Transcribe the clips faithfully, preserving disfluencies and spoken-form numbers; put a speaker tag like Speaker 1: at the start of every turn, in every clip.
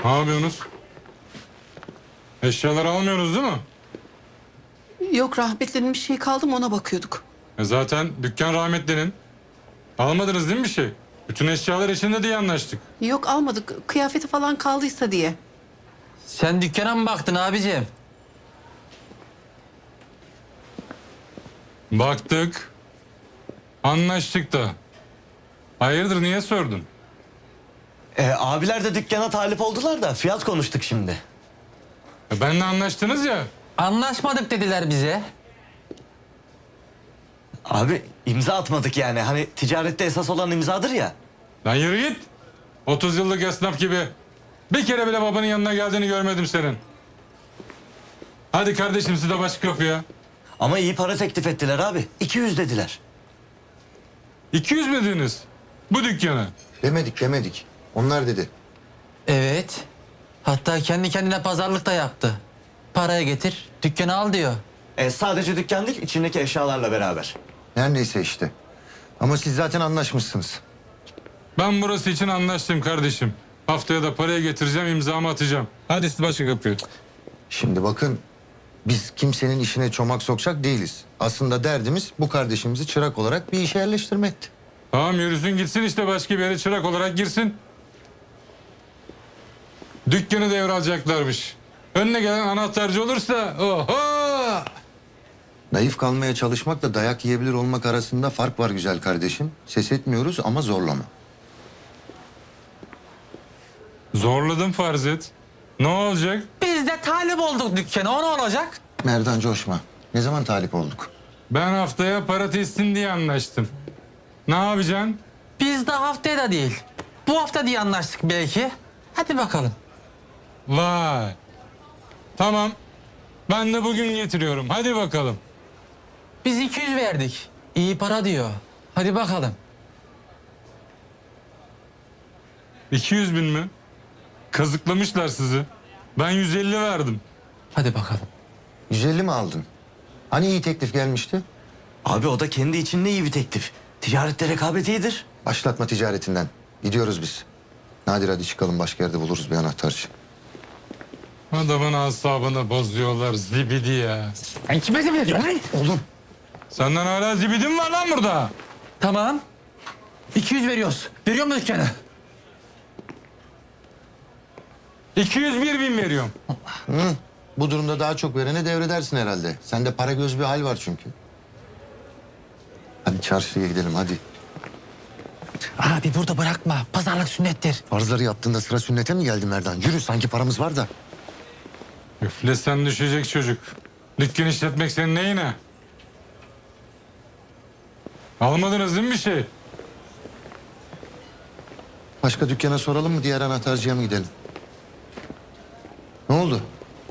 Speaker 1: Ne yapıyorsunuz? Eşyaları almıyoruz değil mi?
Speaker 2: Yok, rahmetlinin bir şey kaldı mı ona bakıyorduk.
Speaker 1: E zaten dükkan rahmetlinin. Almadınız değil mi bir şey? Bütün eşyalar içinde diye anlaştık.
Speaker 2: Yok, almadık. Kıyafeti falan kaldıysa diye.
Speaker 3: Sen dükkana mı baktın abicim?
Speaker 1: Baktık. Anlaştık da. Hayırdır, niye sordun?
Speaker 4: Ee, abiler de dükkana talip oldular da fiyat konuştuk şimdi.
Speaker 1: E benle anlaştınız ya.
Speaker 3: Anlaşmadık dediler bize.
Speaker 4: Abi imza atmadık yani. Hani ticarette esas olan imzadır ya.
Speaker 1: Lan yürü git. otuz yıllık esnaf gibi. Bir kere bile babanın yanına geldiğini görmedim senin. Hadi kardeşim, siz de başka kapıya.
Speaker 4: Ama iyi para teklif ettiler abi. iki yüz dediler.
Speaker 1: iki yüz mü dediniz? Bu dükkana.
Speaker 5: Demedik demedik. Onlar dedi.
Speaker 3: Evet. Hatta kendi kendine pazarlık da yaptı. Paraya getir, dükkanı al diyor.
Speaker 4: Ee, sadece dükkan değil, içindeki eşyalarla beraber.
Speaker 5: Her neyse işte. Ama siz zaten anlaşmışsınız.
Speaker 1: Ben burası için anlaştım kardeşim. Haftaya da parayı getireceğim, imzamı atacağım. Hadi siz başka kapıya.
Speaker 5: Şimdi bakın, biz kimsenin işine çomak sokacak değiliz. Aslında derdimiz bu kardeşimizi çırak olarak bir işe yerleştirmekti.
Speaker 1: Tamam, yürüsün gitsin işte, başka bir yere çırak olarak girsin. Dükkanı devralacaklarmış. Önüne gelen anahtarcı olursa oho!
Speaker 5: Naif kalmaya çalışmakla dayak yiyebilir olmak arasında fark var güzel kardeşim. Ses etmiyoruz ama zorlama.
Speaker 1: Zorladım farz et. Ne olacak?
Speaker 3: Biz de talip olduk dükkana, o ne olacak?
Speaker 5: Merdan coşma. Ne zaman talip olduk?
Speaker 1: Ben haftaya para teslim diye anlaştım. Ne yapacaksın?
Speaker 3: Biz de haftaya da değil. Bu hafta diye anlaştık belki. Hadi bakalım.
Speaker 1: Vay. Tamam. Ben de bugün getiriyorum. Hadi bakalım.
Speaker 3: Biz iki yüz verdik. İyi para diyor. Hadi bakalım.
Speaker 1: iki yüz bin mi? Kazıklamışlar sizi. Ben yüz elli verdim.
Speaker 3: Hadi bakalım.
Speaker 5: yüz elli mi aldın? Hani iyi teklif gelmişti?
Speaker 4: Abi o da kendi içinde iyi bir teklif. Ticarette rekabet iyidir.
Speaker 5: Başlatma ticaretinden. Gidiyoruz biz. Nadir hadi çıkalım, başka yerde buluruz bir anahtarcı.
Speaker 1: Adamın asabını bozuyorlar zibidi ya.
Speaker 3: Sen kime zibidi diyorsun lan?
Speaker 5: Oğlum.
Speaker 1: Senden hala zibidin mi var lan burada?
Speaker 3: Tamam. iki yüz veriyoruz. Veriyor mu dükkanı?
Speaker 1: iki yüz bir bin veriyorum.
Speaker 5: Bu durumda daha çok verene devredersin herhalde. Sende para göz bir hal var çünkü. Hadi çarşıya gidelim hadi.
Speaker 3: Abi burada bırakma. Pazarlık sünnettir.
Speaker 5: Farzları yaptığında sıra sünnete mi geldi Merdan? Yürü, sanki paramız var da.
Speaker 1: Üflesen düşecek çocuk. Dükkan işletmek senin neyine? Almadınız değil mi bir şey?
Speaker 5: Başka dükkana soralım mı, diğer anahtarcıya mı gidelim? Ne oldu?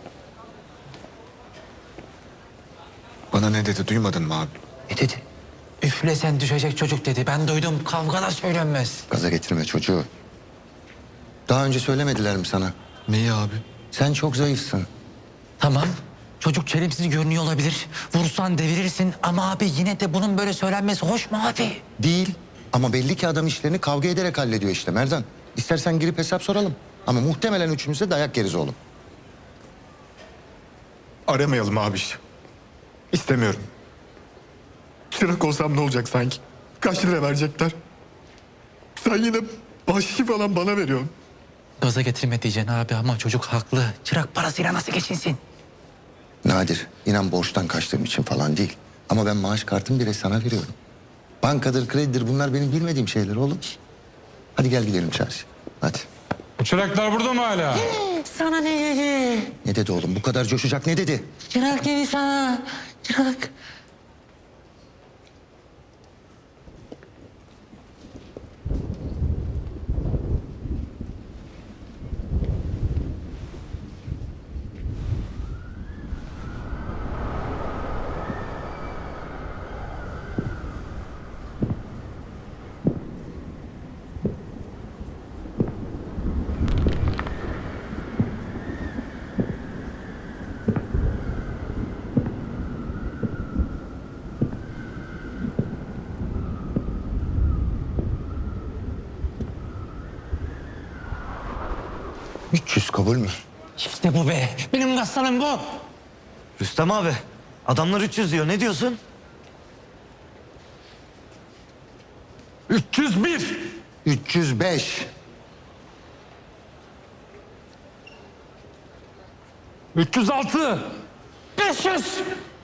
Speaker 6: Bana ne dedi, duymadın mı abi?
Speaker 3: Ne dedi? Üflesen düşecek çocuk dedi. Ben duydum. Kavgada söylenmez.
Speaker 5: Gaza getirme çocuğu. Daha önce söylemediler mi sana?
Speaker 6: Neyi abi?
Speaker 5: Sen çok zayıfsın.
Speaker 3: Tamam. Çocuk çelimsiz görünüyor olabilir. Vursan devirirsin ama abi yine de bunun böyle söylenmesi hoş mu abi?
Speaker 5: Değil. Ama belli ki adam işlerini kavga ederek hallediyor işte Merdan. İstersen girip hesap soralım. Ama muhtemelen üçümüz de dayak yeriz oğlum.
Speaker 6: Aramayalım abi işte. İstemiyorum. Çırak olsam ne olacak sanki? Kaç lira verecekler? Sen yine bahşişi falan bana veriyorsun.
Speaker 3: Gaza getirme diyeceksin abi ama çocuk haklı. Çırak parasıyla nasıl geçinsin?
Speaker 5: Nadir, inan borçtan kaçtığım için falan değil. Ama ben maaş kartımı bile sana veriyorum. Bankadır, kredidir, bunlar benim bilmediğim şeyler oğlum. Hadi gel gidelim çarşı. Hadi.
Speaker 1: Bu çıraklar burada mı hala?
Speaker 3: Sana ne dedi?
Speaker 5: Ne dedi oğlum? Bu kadar coşacak ne dedi?
Speaker 3: Çırak dedi sana. Çırak.
Speaker 5: üç yüz kabul mü?
Speaker 3: İşte bu be. Benim aslanım bu.
Speaker 4: Rüstem abi, adamlar üç yüz diyor. Ne diyorsun?
Speaker 1: üç yüz bir.
Speaker 5: üç yüz beş.
Speaker 1: üç yüz altı.
Speaker 3: beş yüz.